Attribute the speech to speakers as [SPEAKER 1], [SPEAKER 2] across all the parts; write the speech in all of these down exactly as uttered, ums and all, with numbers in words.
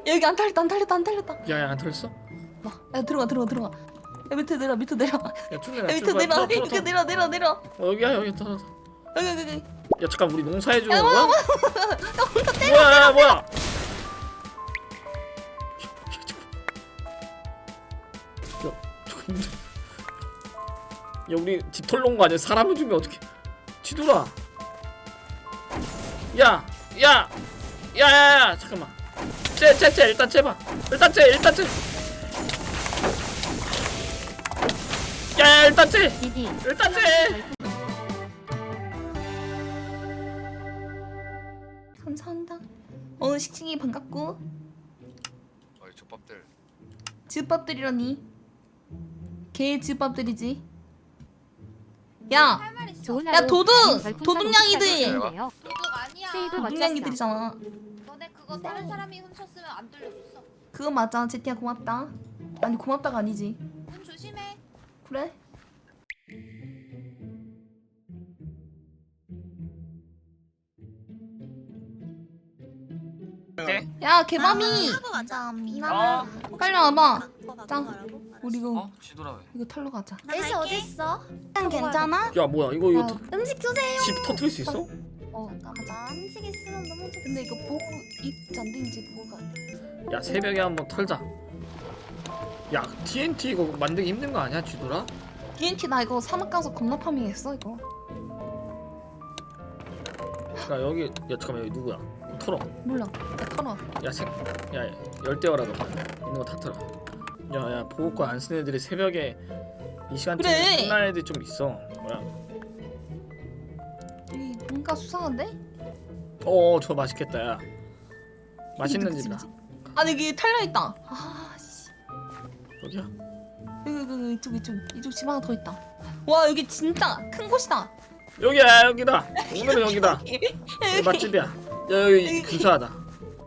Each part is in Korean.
[SPEAKER 1] 여기 안 털렸다 안 털렸다 안 털렸다.
[SPEAKER 2] 야야 안 털렸어?
[SPEAKER 1] 야 들어가 들어가 들어가. 야 밑에 내려 밑에 내려.
[SPEAKER 2] 야 충전해.
[SPEAKER 1] 야 밑에 내려 밑에 내려 내려 내려.
[SPEAKER 2] 어 여기야 여기 털어.
[SPEAKER 1] 여기 여기 여기.
[SPEAKER 2] 야 잠깐 우리 농사해 주는
[SPEAKER 1] 야
[SPEAKER 2] 거야?
[SPEAKER 1] 뭐야
[SPEAKER 2] 뭐야 뭐야? 야 저거 야 우리 집 털러온 거 아니야? 사람을 주면 어떡해? 지돌아. 야, 야, 야, 야, 야, 잠깐만. 쟤, 쟤, 쟤, 일단 쟤봐. 일단 쟤, 일단 쟤. 야, 야, 일단 쟤. 일단 쟤.
[SPEAKER 1] 감사합니다. 오늘 식식이 반갑고.
[SPEAKER 3] 어이 족밥들.
[SPEAKER 1] 지읍밥들이라니. 개 지읍밥들이지. 야, 야 도둑! 도둑냥이들!
[SPEAKER 4] 도둑 아니야.
[SPEAKER 1] 도둑냥이들이잖아.
[SPEAKER 4] 너네 그거 다른 사람이 훔쳤으면 안 돌려줬어.
[SPEAKER 1] 그거 맞아. 제티야 고맙다. 아니 고맙다가 아니지.
[SPEAKER 4] 문 조심해.
[SPEAKER 1] 그래? 야 개맘이
[SPEAKER 5] 감사합니다.
[SPEAKER 1] 빨리 와봐. 짱. 우리 이거
[SPEAKER 3] 어? 지돌아 왜?
[SPEAKER 1] 이거 털러 가자.
[SPEAKER 5] 애쉬 어딨어? 괜찮아?
[SPEAKER 2] 야, 뭐야? 이거 이거
[SPEAKER 1] 아,
[SPEAKER 2] 터,
[SPEAKER 5] 음식 주세요.
[SPEAKER 2] 집 터트릴 수 있어?
[SPEAKER 1] 어
[SPEAKER 5] 가자. 음식 있으면 너무 좋지.
[SPEAKER 1] 근데 이거 보고 입지 안 되는지 보고 가야 돼.
[SPEAKER 2] 야, 새벽에 한번 털자. 야, 티엔티 이거 만들기 힘든 거 아니야, 지돌아?
[SPEAKER 1] 디엔티 나 이거 사막 가서 겁나 파밍했어 이거.
[SPEAKER 2] 야, 여기, 야, 잠깐만, 여기 누구야? 털어.
[SPEAKER 1] 몰라. 야 털어.
[SPEAKER 2] 야, 생, 야, 열대어라 너. 있는 거 다 털어. 야, 야, 보호권 안 쓰는 애들이 새벽에 이 시간쯤에
[SPEAKER 1] 그래.
[SPEAKER 2] 끝나는 애들 좀 있어. 뭐야?
[SPEAKER 1] 이 뭔가 수상한데?
[SPEAKER 2] 어, 저 맛있겠다, 야. 맛있는
[SPEAKER 1] 그치,
[SPEAKER 2] 집이다.
[SPEAKER 1] 그치. 아니 여기 털려 있다. 아 씨.
[SPEAKER 2] 여기야?
[SPEAKER 1] 여기 여기 여기 이쪽 이쪽 이쪽 집 하나 더 있다. 와 여기 진짜 큰 곳이다.
[SPEAKER 2] 여기야, 여기다. 오늘은 여기다. 여기 맛집이야. 야, 여기
[SPEAKER 1] 여기.
[SPEAKER 2] 근사하다.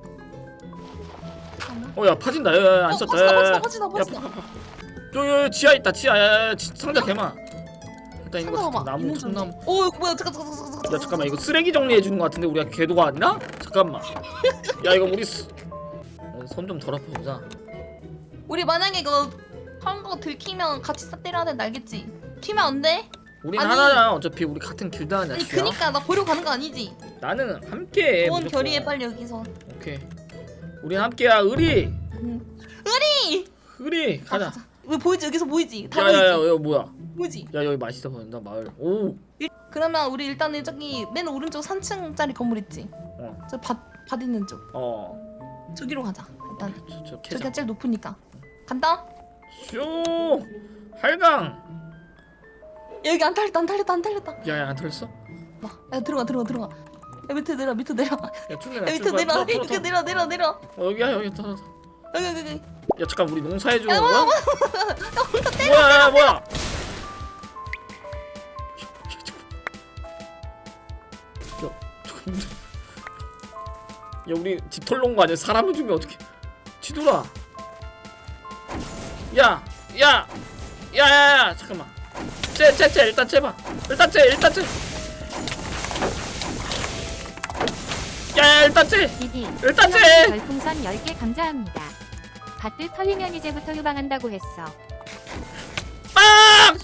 [SPEAKER 2] 어, 야, 파진다. 야, 야, 안
[SPEAKER 1] 어,
[SPEAKER 2] 썼다.
[SPEAKER 1] 퍼지다,
[SPEAKER 2] 야, 야, 야.
[SPEAKER 1] 퍼지다, 퍼지다,
[SPEAKER 2] 야,
[SPEAKER 1] 퍼지다.
[SPEAKER 2] 파, 파, 파. 여기, 여기 지하 있다. 지하. 야, 야, 야, 지- 상자 개마. 일단 이거
[SPEAKER 1] 상자 봐봐.
[SPEAKER 2] 나무,
[SPEAKER 1] 있는
[SPEAKER 2] 참나무.
[SPEAKER 1] 줄 알지? 오 이거 뭐야? 잠깐 잠깐 잠깐 잠깐.
[SPEAKER 2] 야, 잠깐만. 이거 쓰레기 정리해 주는 거 같은데 우리가 궤도가 아니라? 잠깐만. 야, 이거 우리 어, 손 좀 덜 아파보자.
[SPEAKER 1] 우리 만약에 이거 한 거 들키면 같이 싹 때려야 된다 알겠지? 튀면 안 돼?
[SPEAKER 2] 우린
[SPEAKER 1] 아니.
[SPEAKER 2] 하나야. 어차피 우리 같은 길드 아니야.
[SPEAKER 1] 아니
[SPEAKER 2] 지야.
[SPEAKER 1] 그니까 나 버리고 가는 거 아니지?
[SPEAKER 2] 나는 함께.
[SPEAKER 1] 돈
[SPEAKER 2] 무조건.
[SPEAKER 1] 결의해 빨리 여기서.
[SPEAKER 2] 오케이. 우린 함께야. 의리.
[SPEAKER 1] 응. 의리!
[SPEAKER 2] 의리. 가자.
[SPEAKER 1] 왜 보이지? 여기서 보이지? 다
[SPEAKER 2] 야야야,
[SPEAKER 1] 보이지?
[SPEAKER 2] 여기 뭐야?
[SPEAKER 1] 보이지?
[SPEAKER 2] 야, 여기 맛있어 보인다. 마을. 오.
[SPEAKER 1] 그러면 우리 일단은 저기 맨 오른쪽 삼 층짜리 건물 있지?
[SPEAKER 2] 어.
[SPEAKER 1] 저 밭, 밭 있는 쪽
[SPEAKER 2] 어.
[SPEAKER 1] 저기로 가자 일단.
[SPEAKER 2] 저, 저 캐자.
[SPEAKER 1] 저기가 제일 높으니까 간다?
[SPEAKER 2] 쇼. 할강.
[SPEAKER 1] 여기 안 털렸다 안 털렸다 안 털렸다.
[SPEAKER 2] 야야, 안 털렸어?
[SPEAKER 1] 야 들어가 들어가 들어가. 야 밑에 내려 밑에 내려.
[SPEAKER 2] 야, 충전해.
[SPEAKER 1] 야 밑에 내려 밑에 내려 내려 내려.
[SPEAKER 2] 어, 여기야, 여기 털어.
[SPEAKER 1] 여기 여기 여기.
[SPEAKER 2] 야, 잠깐 우리 농사해 주는
[SPEAKER 1] 야,
[SPEAKER 2] 거야? 뭐야, 야, 뭐야? 야, 저거 힘들어. 야, 우리 집 털러 온 거 아니야? 사람을 주면 어떡해? 지돌아. 야, 야, 야, 야, 야, 잠깐만. 쟤, 쟤, 쟤, 일단 쟤봐. 일단 쟤, 일단 쟤. 야, 야, 일단 쟤.
[SPEAKER 6] 디디
[SPEAKER 2] 일단 쟤.
[SPEAKER 6] 별풍선 열 개 감사합니다. 밭들 털리면 이제부터 휴방한다고 했어.
[SPEAKER 2] 빵!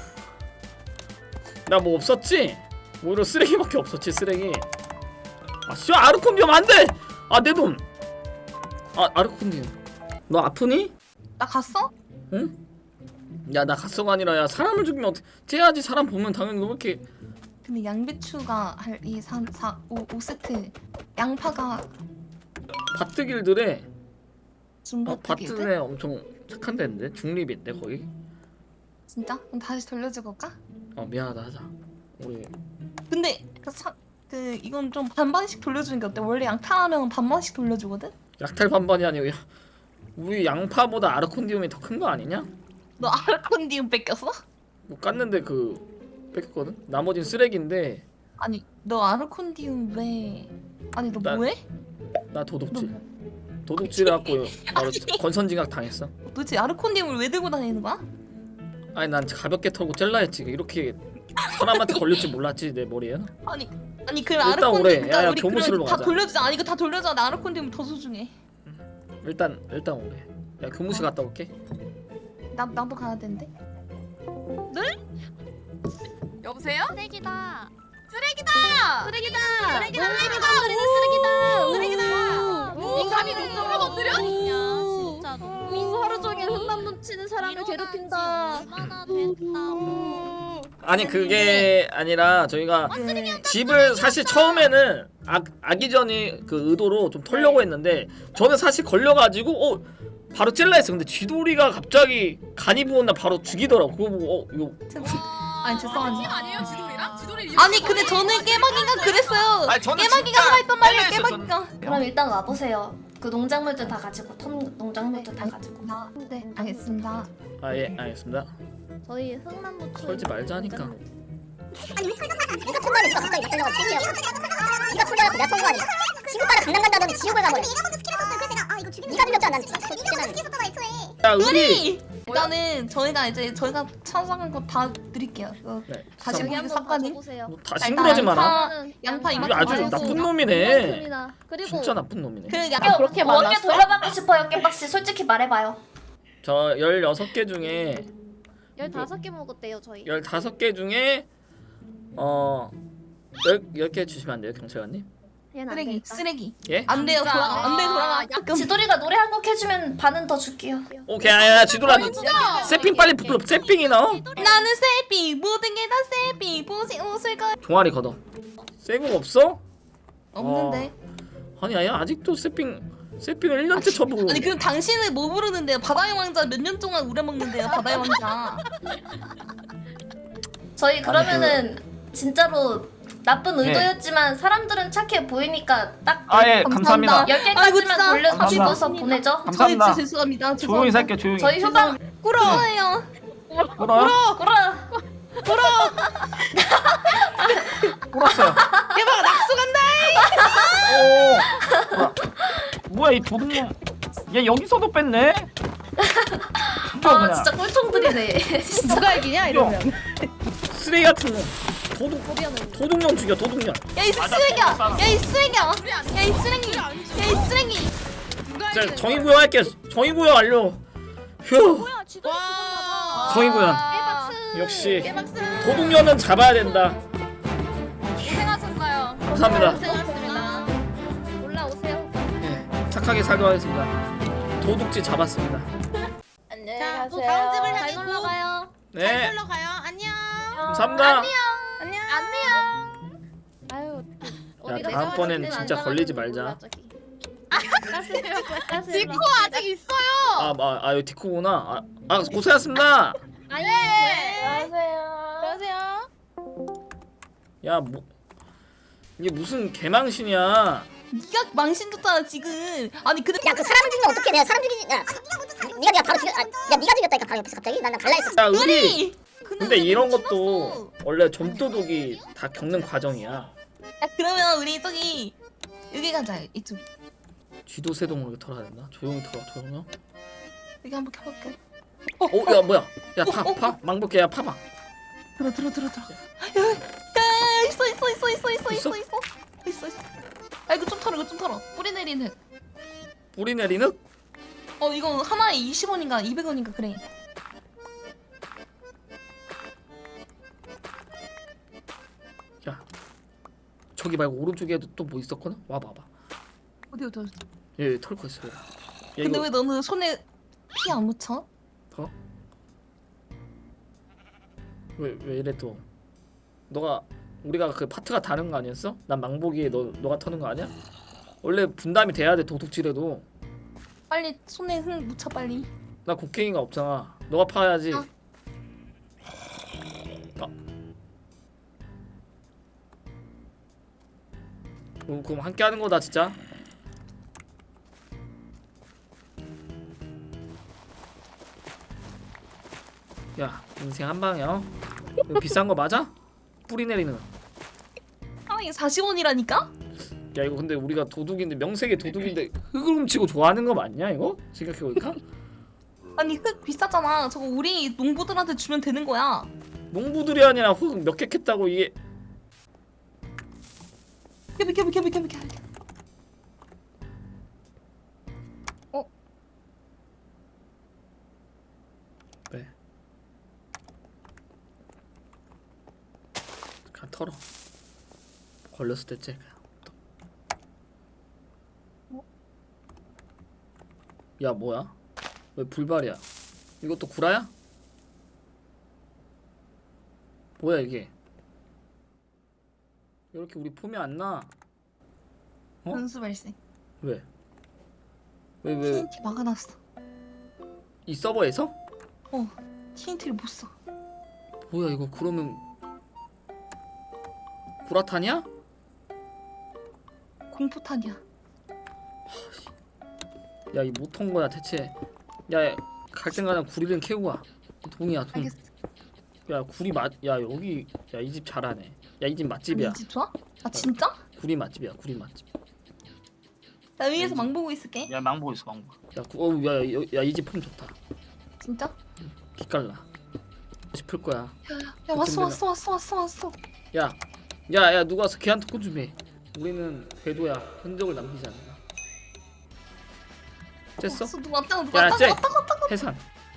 [SPEAKER 2] 나 뭐 없었지? 오히려 쓰레기밖에 없었지, 쓰레기. 아, 씨, 아르콘디움 안 돼! 아, 내 돈! 아, 아르콘디움. 너 아프니?
[SPEAKER 1] 나 갔어?
[SPEAKER 2] 응? 야, 나 갔어가 아니라, 야, 사람을 죽이면 어떻게. 쟤야지, 사람 보면 당연히 너 이렇게.
[SPEAKER 1] 근데 양배추가 할 이 삼, 사, 오, 오 세트. 양파가
[SPEAKER 2] 바트길들에. 어,
[SPEAKER 1] 중바트길드?
[SPEAKER 2] 바트네 엄청 착한 데인데? 중립인데, 거의?
[SPEAKER 1] 진짜? 그럼 다시 돌려주고 올까?
[SPEAKER 2] 어, 미안하다, 하자. 우리.
[SPEAKER 1] 근데 그, 사, 그 이건 좀 반반씩 돌려주는 게 어때? 원래 양파하면 반반씩 돌려주거든?
[SPEAKER 2] 약탈 반반이 아니고, 야, 우리 양파보다 아르콘디움이 더 큰 거 아니냐?
[SPEAKER 1] 너 아르콘디움 뺏겼어?
[SPEAKER 2] 뭐 깠는데 그 뺏겼거든? 나머진 쓰레기인데
[SPEAKER 1] 아니 너 아르콘디움 왜? 아니 너
[SPEAKER 2] 나-
[SPEAKER 1] 뭐해?
[SPEAKER 2] 나
[SPEAKER 1] 너
[SPEAKER 2] 도둑질 도둑질 해갖고 바로
[SPEAKER 1] 아니.
[SPEAKER 2] 권선징악 당했어.
[SPEAKER 1] 도대체 아르콘디움을 왜 들고 다니는 거야?
[SPEAKER 2] 아니 난 가볍게 털고 젤라 했지. 이렇게 사람한테 걸릴 줄 몰랐지 내 머리에.
[SPEAKER 1] 아니 아니 그럼
[SPEAKER 2] 일단
[SPEAKER 1] 아르콘디움
[SPEAKER 2] 오래.
[SPEAKER 1] 그러니까
[SPEAKER 2] 야야,
[SPEAKER 1] 우리
[SPEAKER 2] 교무실로
[SPEAKER 1] 그럼 다
[SPEAKER 2] 가자.
[SPEAKER 1] 돌려주자. 아니 이거 다 돌려줘. 나 아르콘디움 더 소중해.
[SPEAKER 2] 일단 일단 오래. 야 교무실 갔다 올게.
[SPEAKER 1] 나 나도 가야 되는데.
[SPEAKER 4] 여보세요?
[SPEAKER 5] 쓰레기다.
[SPEAKER 4] 쓰레기다.
[SPEAKER 5] 쓰레기다.
[SPEAKER 4] 쓰레기다.
[SPEAKER 5] 쓰레기다.
[SPEAKER 4] 쓰레기다. 인간이 눈물을 건드려?
[SPEAKER 5] 진짜.
[SPEAKER 7] 오, 하루 종일 흙만 묻히는 사람을 괴롭힌다.
[SPEAKER 5] 얼마나 됐다고.
[SPEAKER 2] 아니 그게 아니라 저희가 집을 사실 처음에는 악, 악의전이 그 의도로 좀 털려고 했는데 저는 사실 걸려가지고 어 바로 찔라 했어. 근데 쥐돌이가 갑자기 간이 부었나 바로 죽이더라고. 그거 보고 어 이거
[SPEAKER 1] 아니 죄송합니다.
[SPEAKER 4] 팀 아니에요 지돌이랑? 지돌이
[SPEAKER 1] 아니 근데 저는 깨박이가 그랬어요.
[SPEAKER 3] 아니, 저는
[SPEAKER 1] 깨박이가
[SPEAKER 3] 진짜
[SPEAKER 1] 했단 말이에요.
[SPEAKER 3] 헬레했어,
[SPEAKER 1] 깨박이가.
[SPEAKER 7] 그럼 일단 와보세요. 그 농작물들 다 가지고 텀 농작물들 다 가지고.
[SPEAKER 1] 아, 네 알겠습니다.
[SPEAKER 2] 아 예 알겠습니다.
[SPEAKER 7] 저희 흙만 묻혀.
[SPEAKER 2] 털지 말자니까.
[SPEAKER 8] 아니 우리 털잖아. 네가 통과하면 네가 갑자기 나 털려고 챙기라고. 네가 털려갖고 내가 통과하니. 지구 따라 강남 간다더니 지옥을 가버려. 네가 먼저 스킬을 썼어. 그래서 내가 아 이거 죽이는. 네가 죽였잖아. 난 진짜. 네가 먼저 스킬 썼잖아 애초에.
[SPEAKER 2] 야 우리
[SPEAKER 1] 우리 일단은 저희가 이제 저희가 찾아간 거 다 드릴게요. 그
[SPEAKER 2] 네,
[SPEAKER 1] 다시
[SPEAKER 2] 참,
[SPEAKER 7] 여기
[SPEAKER 1] 한번
[SPEAKER 7] 한번
[SPEAKER 1] 삭가는?
[SPEAKER 7] 봐보세요.
[SPEAKER 2] 뭐 다 싱그러지 마라.
[SPEAKER 1] 양파, 양파
[SPEAKER 2] 이거
[SPEAKER 1] 이만큼
[SPEAKER 2] 아주
[SPEAKER 1] 많이
[SPEAKER 2] 나쁜
[SPEAKER 1] 했어.
[SPEAKER 2] 놈이네.
[SPEAKER 7] 이만큼이나. 그리고
[SPEAKER 2] 진짜 나쁜 놈이네.
[SPEAKER 1] 그
[SPEAKER 7] 야,
[SPEAKER 1] 약간
[SPEAKER 7] 그렇게
[SPEAKER 1] 뭐-
[SPEAKER 7] 몇개 돌려받고 싶어요, 깨박씨. 솔직히 말해봐요.
[SPEAKER 2] 저 열여섯 개 중에
[SPEAKER 7] 열다섯 개 먹었대요, 저희.
[SPEAKER 2] 열다섯 개 중에 어 열, 열 개 주시면 안 돼요, 경찰관님?
[SPEAKER 7] 얘는 안
[SPEAKER 1] 쓰레기
[SPEAKER 7] 되겠다.
[SPEAKER 1] 쓰레기
[SPEAKER 2] 예?
[SPEAKER 1] 안 돼요. 돌아 안 돼 돌아가. 잠깐.
[SPEAKER 7] 지돌이가 노래 한 곡 해주면 반은 더 줄게요.
[SPEAKER 2] 오케이, 야, 지돌아, 세핑 빨리 불러. 세핑이 나와?
[SPEAKER 1] 나는 세비 모든 게 다 세비 보시 웃을 거
[SPEAKER 2] 종아리 걷어. 세국 없어?
[SPEAKER 1] 없는데.
[SPEAKER 2] 아니, 아야 아직도 세핑 세핑을 일 년째 쳐보고.
[SPEAKER 1] 아니 그럼 당신은 뭐 부르는데요? 바다의 왕자 몇 년 동안 우려먹는데요. 바다의 왕자.
[SPEAKER 7] 저희 그러면은 진짜로 나쁜
[SPEAKER 2] 네.
[SPEAKER 7] 의도였지만 사람들은 착해 보이니까 딱
[SPEAKER 9] 아 예 감사합니다.
[SPEAKER 7] 열
[SPEAKER 1] 아이고,
[SPEAKER 7] 개까지만
[SPEAKER 1] 진짜.
[SPEAKER 7] 돌려서
[SPEAKER 9] 감사합니다.
[SPEAKER 7] 집어서 보내죠.
[SPEAKER 1] 저희
[SPEAKER 9] 감사합니다.
[SPEAKER 1] 진짜 죄송합니다.
[SPEAKER 9] 조용히
[SPEAKER 1] 죄송합니다.
[SPEAKER 9] 살게 조용히.
[SPEAKER 7] 저희 휴방
[SPEAKER 1] 꾸러워요.
[SPEAKER 9] 울어요?
[SPEAKER 7] 꾸라
[SPEAKER 9] 울었어요.
[SPEAKER 1] 대박 낙수 간다.
[SPEAKER 9] 오. 뭐야? 뭐야 이 도둑놈. 얘 여기서도 뺐네. 죽여
[SPEAKER 7] 아
[SPEAKER 9] 그냥.
[SPEAKER 7] 진짜 꿀통들이네. 진짜.
[SPEAKER 1] 누가 이기냐
[SPEAKER 9] 이러면.
[SPEAKER 2] 쓰레기 같은 놈. 도둑 도둑년 죽여, 도둑년.
[SPEAKER 1] 야이 쓰레기야. 야이 쓰레기야. 야이 쓰레기. 야이 쓰레기.
[SPEAKER 2] 자, 정의구현 할게. 정의구현 완료. 휴.
[SPEAKER 4] 와.
[SPEAKER 2] 정의구현. 역시 도둑년은 잡아야 된다.
[SPEAKER 4] 고생하셨어요.
[SPEAKER 2] 감사합니다.
[SPEAKER 7] 고생하셨습니다. 올라오세요.
[SPEAKER 2] 예, 착하게 살도록 하겠습니다. 도둑질 잡았습니다.
[SPEAKER 7] 안녕히
[SPEAKER 4] 자,
[SPEAKER 7] 가세요.
[SPEAKER 4] 또 다음 집을
[SPEAKER 7] 잘
[SPEAKER 4] 향해
[SPEAKER 7] 놀러
[SPEAKER 4] 고.
[SPEAKER 7] 가요.
[SPEAKER 2] 네,
[SPEAKER 4] 잘 놀러 가요. 안녕.
[SPEAKER 2] 감사합니다.
[SPEAKER 4] 안녕. 안녕.
[SPEAKER 7] 아유.
[SPEAKER 2] 야, 다음번엔 진짜 걸리지 말자.
[SPEAKER 4] 디코 아직 있어요.
[SPEAKER 2] 아, 아, 아, 이거 디코구나. 아, 아 고생하셨습니다.
[SPEAKER 7] 아니.
[SPEAKER 4] 네.
[SPEAKER 7] 안녕하세요.
[SPEAKER 4] 안녕하세요.
[SPEAKER 2] 야, 뭐 이게 무슨 개망신이야?
[SPEAKER 1] 네가 망신 줬잖아 지금. 아니 근데
[SPEAKER 8] 야 그 사람을 죽이면 어떻게 내가 사람 죽이지? 야 네가 네가 바로 죽여. 아, 야 네가 죽였다니까 바로 옆에서 갑자기 난 갈라 했어.
[SPEAKER 2] 야, 우리
[SPEAKER 1] 우리.
[SPEAKER 2] 근데 이런 것도 원래 점도둑이 다 겪는 과정이야.
[SPEAKER 1] 야 그러면 우리 저기 여기 가자 이쪽.
[SPEAKER 2] 쥐도 새도 털어야 된다. 조용히 털어, 조용히.
[SPEAKER 1] 여기 한번 켜볼게.
[SPEAKER 2] 어, 야, 뭐야? 야, 파,
[SPEAKER 1] 어, 어,
[SPEAKER 2] 파, 망볼게, 야, 파봐.
[SPEAKER 1] 들어 들어 들어 들어. 야, 야, 야, 있어 있어 있어 있어 있어 있어 있어 있어 있어. 아 이거 좀 털어 이거 좀 털어. 뿌리 내리는.
[SPEAKER 2] 뿌리 내리는?
[SPEAKER 1] 어 이거 하나에 이십 원인가 이백 원인가 그래.
[SPEAKER 2] 야, 저기 말고 오른쪽에도 또 뭐 있었거나? 와봐, 와봐.
[SPEAKER 1] 어디 어디 어디.
[SPEAKER 2] 얘 털고 있어. 야,
[SPEAKER 1] 근데
[SPEAKER 2] 이거
[SPEAKER 1] 왜 너는 손에 피 안 묻혀?
[SPEAKER 2] 더? 왜, 왜 이래 또? 너가 우리가 그 파트가 다른 거 아니었어? 난 망보기에 너 너가 터는 거 아니야? 원래 분담이 돼야 돼 도둑질해도.
[SPEAKER 1] 빨리 손에 흙 묻혀 빨리.
[SPEAKER 2] 나 곡괭이가 없잖아. 너가 파야지.
[SPEAKER 1] 아.
[SPEAKER 2] 아. 어, 그럼 함께 하는 거다 진짜. 야 인생 한 방이야. 어? 이거 비싼 거 맞아? 뿌리 내리는.
[SPEAKER 1] 하나에 사십 원이라니까?
[SPEAKER 2] 야 이거 근데 우리가 도둑인데 명색이 도둑인데 흙을 훔치고 좋아하는 거 맞냐 이거? 생각해보니까
[SPEAKER 1] 아니 흙 비싸잖아. 저거 우리 농부들한테 주면 되는 거야.
[SPEAKER 2] 농부들이 아니라 흙 몇 개 캤다고 이게.
[SPEAKER 1] 비켜 비켜 비켜 비켜 비켜.
[SPEAKER 2] 왜? 그냥 털어. 걸렸을 때 쟤. 야 뭐야? 왜 불발이야? 이것도 구라야? 뭐야 이게? 이렇게 우리 폼이 안 나? 어?
[SPEAKER 1] 변수 발생.
[SPEAKER 2] 왜? 왜 왜?
[SPEAKER 1] 티엔티 막아놨어.
[SPEAKER 2] 이 서버에서?
[SPEAKER 1] 어, 티엔티를 못 써.
[SPEAKER 2] 뭐야 이거 그러면 구라탄이야?
[SPEAKER 1] 공포탄이야.
[SPEAKER 2] 야 이 못한 거야 대체. 야 갈 땐가는 구리는 캐고 가. 돈이야 돈.
[SPEAKER 1] 알겠어.
[SPEAKER 2] 야 구리 맛. 야 여기 야 이 집 잘하네. 야 이 집 맛집이야.
[SPEAKER 1] 이집 좋아? 아 진짜?
[SPEAKER 2] 구리 맛집이야 구리 맛집.
[SPEAKER 1] 나 위에서 망 보고 있을게.
[SPEAKER 9] 야 망보 있어 망보.
[SPEAKER 2] 야야이 집 폼 좋다.
[SPEAKER 1] 진짜?
[SPEAKER 2] 기깔나. 싶을 거야.
[SPEAKER 1] 야 왔어 왔어 왔어 왔어 왔어.
[SPEAKER 2] 야, 야, 야, 누가 와서 걔한테 꽂 좀 해. 우리는 궤도야. 흔적을 남기지 않아. 됐어?
[SPEAKER 1] 왔어 누가 왔다 누가
[SPEAKER 2] 야,
[SPEAKER 1] 왔다
[SPEAKER 2] 쟤
[SPEAKER 1] 왔다 왔다 왔다
[SPEAKER 2] 해산.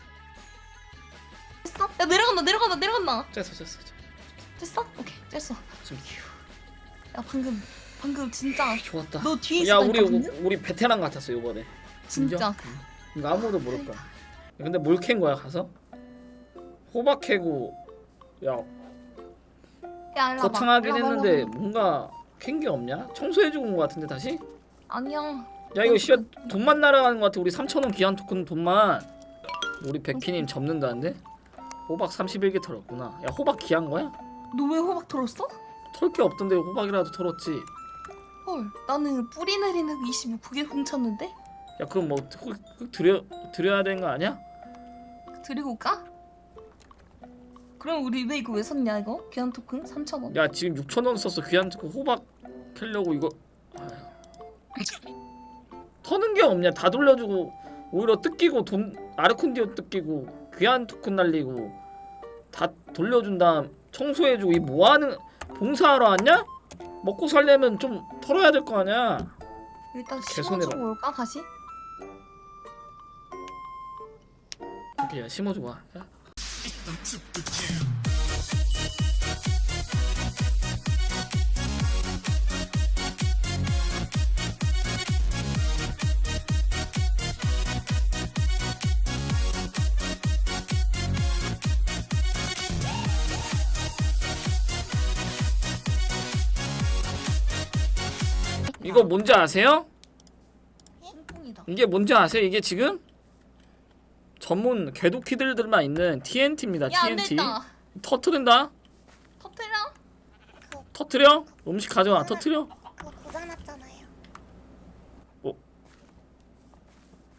[SPEAKER 1] 됐어? 야 내려간다 내려간다 내려간다.
[SPEAKER 2] 됐어, 됐어, 됐어.
[SPEAKER 1] 됐어? 오케이 됐어.
[SPEAKER 2] 지금
[SPEAKER 1] 야 방금 방금 진짜
[SPEAKER 2] 좋았다.
[SPEAKER 1] 너 뒤에
[SPEAKER 2] 야,
[SPEAKER 1] 있었다니까
[SPEAKER 2] 우리
[SPEAKER 1] 방금?
[SPEAKER 2] 우리 베테랑 같았어 이번에.
[SPEAKER 1] 진짜.
[SPEAKER 2] 인정? 이거 아무도 모를 거야. 야, 근데 뭘 캔 거야 가서? 호박 캐고. 야,
[SPEAKER 1] 야 일로 와봐.
[SPEAKER 2] 거창하긴
[SPEAKER 1] 일로 와봐,
[SPEAKER 2] 했는데
[SPEAKER 1] 일로 와봐.
[SPEAKER 2] 뭔가 캔 게 없냐? 청소해주고 온 거 같은데 다시?
[SPEAKER 1] 아니야.
[SPEAKER 2] 야 이거 씨발 돈만 날아가는 거 같아. 우리 삼천 원 기한 토큰 돈만. 우리 백희님 접는다는데? 호박 삼십일 개 털었구나. 야 호박 기한 거야?
[SPEAKER 1] 너 왜 호박 털었어?
[SPEAKER 2] 털 게 없던데 호박이라도 털었지.
[SPEAKER 1] 헐 나는 뿌리 내리는 이십육 개 훔쳤는데?
[SPEAKER 2] 야 그럼 뭐 흙, 흙 드려 드려야 되는 거 아니야?
[SPEAKER 1] 드리고 올까? 그럼 우리 왜 이거 왜 샀냐 이거? 귀한 토큰 삼천 원.
[SPEAKER 2] 야 지금 육천 원 썼어 귀한 토큰 호박 캐려고 이거. 아휴. 터는 게 없냐? 다 돌려주고 오히려 뜯기고 돈 아르콘디오 뜯기고 귀한 토큰 날리고 다 돌려준 다음 청소해주고 이 뭐하는 봉사하러 왔냐? 먹고 살려면 좀 털어야 될 거 아니야.
[SPEAKER 1] 일단
[SPEAKER 2] 개손해라.
[SPEAKER 1] 심어주고 올까 다시?
[SPEAKER 2] 오케이 야 심어주고 와. 야. 이거 뭔지 아세요?
[SPEAKER 1] 뿡뿡이다.
[SPEAKER 2] 이게 뭔지 아세요? 이게 지금 전문 궤도키들들만 있는 티엔티입니다.
[SPEAKER 1] 야
[SPEAKER 2] 티엔티.
[SPEAKER 1] 안됐다.
[SPEAKER 2] 터트린다.
[SPEAKER 1] 터트려.
[SPEAKER 2] 터트려? 음식 가져와. 터트려.
[SPEAKER 8] 그거 고장났잖아요.